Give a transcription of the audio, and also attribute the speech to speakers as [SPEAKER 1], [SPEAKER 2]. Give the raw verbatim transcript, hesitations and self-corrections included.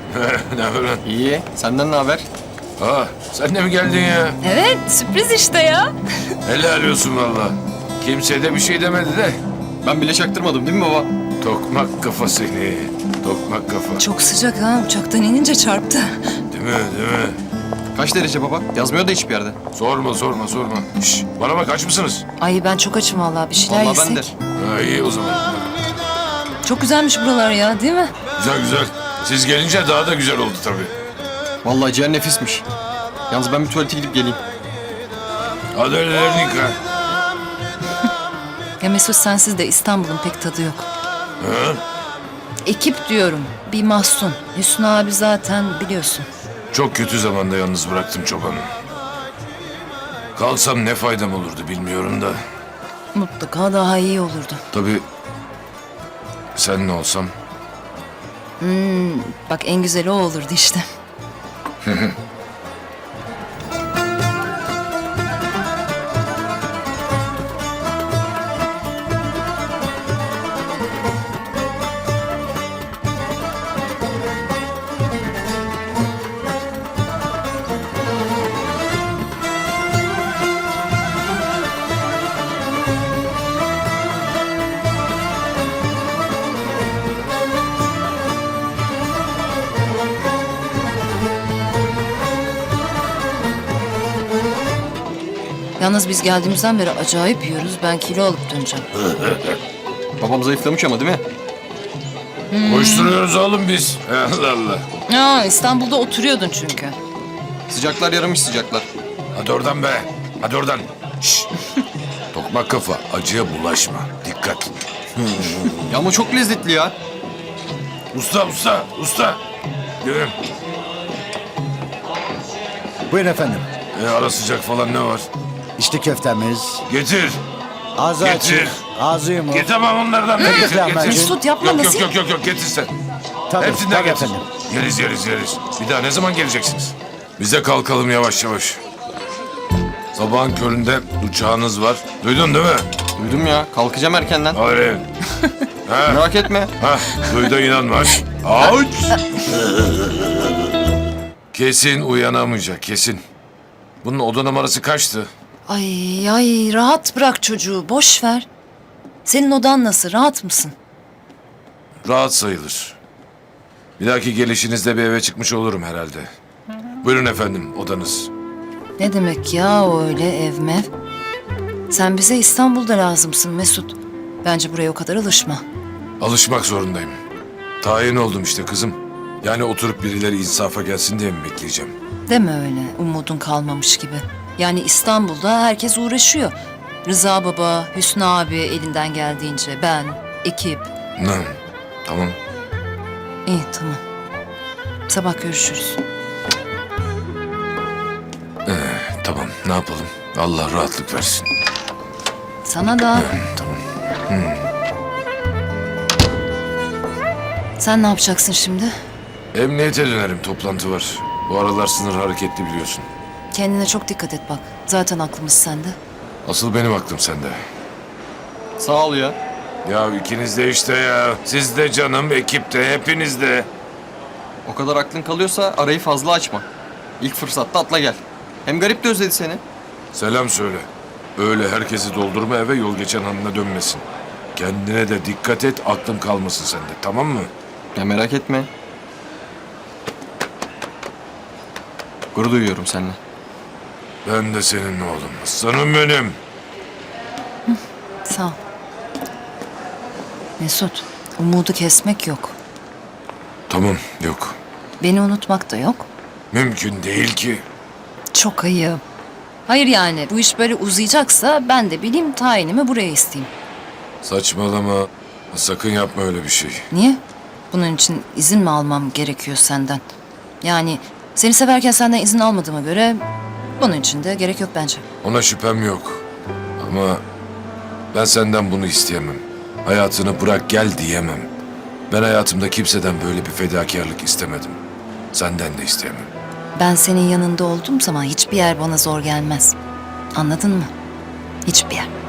[SPEAKER 1] Ne haber lan?
[SPEAKER 2] İyi. Senden ne haber?
[SPEAKER 1] Aa, sen de mi geldin ya?
[SPEAKER 3] Evet, sürpriz işte ya.
[SPEAKER 1] Helal olsun valla. Kimse de bir şey demedi de.
[SPEAKER 2] Ben bile çaktırmadım değil mi baba?
[SPEAKER 1] Tokmak kafa seni. Tokmak kafa.
[SPEAKER 3] Çok sıcak ha, uçaktan inince çarptı.
[SPEAKER 1] Değil mi, değil mi?
[SPEAKER 2] Kaç derece baba? Yazmıyor da hiçbir yerde.
[SPEAKER 1] Sorma, sorma, sorma. Şş, bana bak, aç mısınız?
[SPEAKER 3] Ay ben çok açım vallahi, bir şeyler
[SPEAKER 2] Vallahi ben de.
[SPEAKER 3] yesek.
[SPEAKER 1] Ha, iyi o zaman.
[SPEAKER 3] Çok güzelmiş buralar ya, değil mi?
[SPEAKER 1] Güzel güzel. Siz gelince daha da güzel oldu tabii.
[SPEAKER 2] Vallahi ciğer nefismiş. Yalnız ben bir tuvalete gidip geleyim.
[SPEAKER 1] Hadi ellerini yıka.
[SPEAKER 3] Ya Mesut, sensiz de İstanbul'un pek tadı yok.
[SPEAKER 1] Ha?
[SPEAKER 3] Ekip diyorum, bir mahzun. Hüsnü abi zaten biliyorsun.
[SPEAKER 1] Çok kötü zamanda yalnız bıraktım çobanı. Kalsam ne faydam olurdu bilmiyorum da.
[SPEAKER 3] Mutlaka daha iyi olurdu.
[SPEAKER 1] Tabii sen ne olsam.
[SPEAKER 3] Bak en güzeli o olurdu işte. Yalnız biz geldiğimizden beri acayip yiyoruz. Ben kilo alıp döneceğim.
[SPEAKER 2] Babam zayıflamış ama değil mi?
[SPEAKER 1] Koşturuyoruz oğlum biz. Allah Allah.
[SPEAKER 3] Aa, İstanbul'da oturuyordun çünkü.
[SPEAKER 2] Sıcaklar yaramış sıcaklar.
[SPEAKER 1] Hadi oradan be. Hadi oradan. Şşş. Tokmak kafa, acıya bulaşma. Dikkat.
[SPEAKER 2] Ya ama çok lezzetli ya.
[SPEAKER 1] Usta, usta, usta. Gelin.
[SPEAKER 4] Buyurun efendim.
[SPEAKER 1] E, ara sıcak falan ne var?
[SPEAKER 4] İçli köftemiz.
[SPEAKER 1] Getir.
[SPEAKER 4] Ağzı
[SPEAKER 1] Getir.
[SPEAKER 4] açık. Ağzı yumuk.
[SPEAKER 1] Getir tamam onlardan. da
[SPEAKER 4] Peki
[SPEAKER 1] getir,
[SPEAKER 4] efendim,
[SPEAKER 1] getir.
[SPEAKER 3] Mesut, yapma,
[SPEAKER 1] Yok, yok,
[SPEAKER 3] nasıl?
[SPEAKER 1] yok, yok, yok. Getir sen.
[SPEAKER 4] Tabii,
[SPEAKER 1] Hepsinden
[SPEAKER 4] tabii
[SPEAKER 1] getir.
[SPEAKER 4] efendim.
[SPEAKER 1] Yeriz, yeriz, yeriz. Bir daha ne zaman geleceksiniz? Biz de kalkalım yavaş yavaş. Sabahın köründe uçağınız var. Duydun değil mi?
[SPEAKER 2] Duydum ya. Kalkacağım erkenden.
[SPEAKER 1] Hayır. Ha,
[SPEAKER 2] Merak etme.
[SPEAKER 1] ha, duydu inanma. Aç. Kesin uyanamayacak, kesin. Bunun oda numarası kaçtı?
[SPEAKER 3] Ay ay, rahat bırak çocuğu, boş ver. Senin odan nasıl, rahat mısın?
[SPEAKER 1] Rahat sayılır. Bir dahaki gelişinizde bir eve çıkmış olurum herhalde. Buyurun efendim, odanız.
[SPEAKER 3] Ne demek ya o öyle ev mev? Sen bize İstanbul'da lazımsın Mesut. Bence buraya o kadar alışma.
[SPEAKER 1] Alışmak zorundayım. Tayin oldum işte kızım. Yani oturup birileri insafa gelsin diye mi bekleyeceğim?
[SPEAKER 3] Deme öyle, umudun kalmamış gibi. Yani İstanbul'da herkes uğraşıyor. Rıza baba, Hüsnü abi elinden geldiğince, ben, ekip.
[SPEAKER 1] Ne? Tamam.
[SPEAKER 3] İyi tamam. Sabah görüşürüz.
[SPEAKER 1] Tamam, ne yapalım? Allah rahatlık versin.
[SPEAKER 3] Sana da.
[SPEAKER 1] Tamam.
[SPEAKER 3] Sen ne yapacaksın şimdi?
[SPEAKER 1] Emniyete dönerim, toplantı var. Bu aralar sınır hareketli biliyorsun.
[SPEAKER 3] Kendine çok dikkat et bak. Zaten aklımız sende.
[SPEAKER 1] Asıl benim aklım sende.
[SPEAKER 2] Sağ ol ya.
[SPEAKER 1] Ya ikiniz de işte ya. Siz de canım, ekip de, hepiniz de.
[SPEAKER 2] O kadar aklın kalıyorsa arayı fazla açma. İlk fırsatta atla gel. Hem garip de özledi seni.
[SPEAKER 1] Selam söyle. Öyle herkesi doldurma eve, yol geçen hanına dönmesin. Kendine de dikkat et, aklım kalmasın sende, tamam mı?
[SPEAKER 2] Ya merak etme. Gurur duyuyorum seninle.
[SPEAKER 1] Ben de senin oğlum. Aslanım benim.
[SPEAKER 3] Sağ ol. Mesut, umudu kesmek yok.
[SPEAKER 1] Tamam, yok.
[SPEAKER 3] Beni unutmak da yok.
[SPEAKER 1] Mümkün değil ki.
[SPEAKER 3] Çok ayıp. Hayır yani bu iş böyle uzayacaksa ben de bileyim tayinimi buraya isteyeyim.
[SPEAKER 1] Saçmalama. Sakın yapma öyle bir şey.
[SPEAKER 3] Niye? Bunun için izin mi almam gerekiyor senden? Yani seni severken senden izin almadığıma göre bunun için de gerek yok bence.
[SPEAKER 1] Ona şüphem yok. Ama ben senden bunu isteyemem. Hayatını bırak gel diyemem. Ben hayatımda kimseden böyle bir fedakarlık istemedim. Senden de isteyemem.
[SPEAKER 3] Ben senin yanında olduğum zaman hiçbir yer bana zor gelmez. Anladın mı? Hiçbir yer.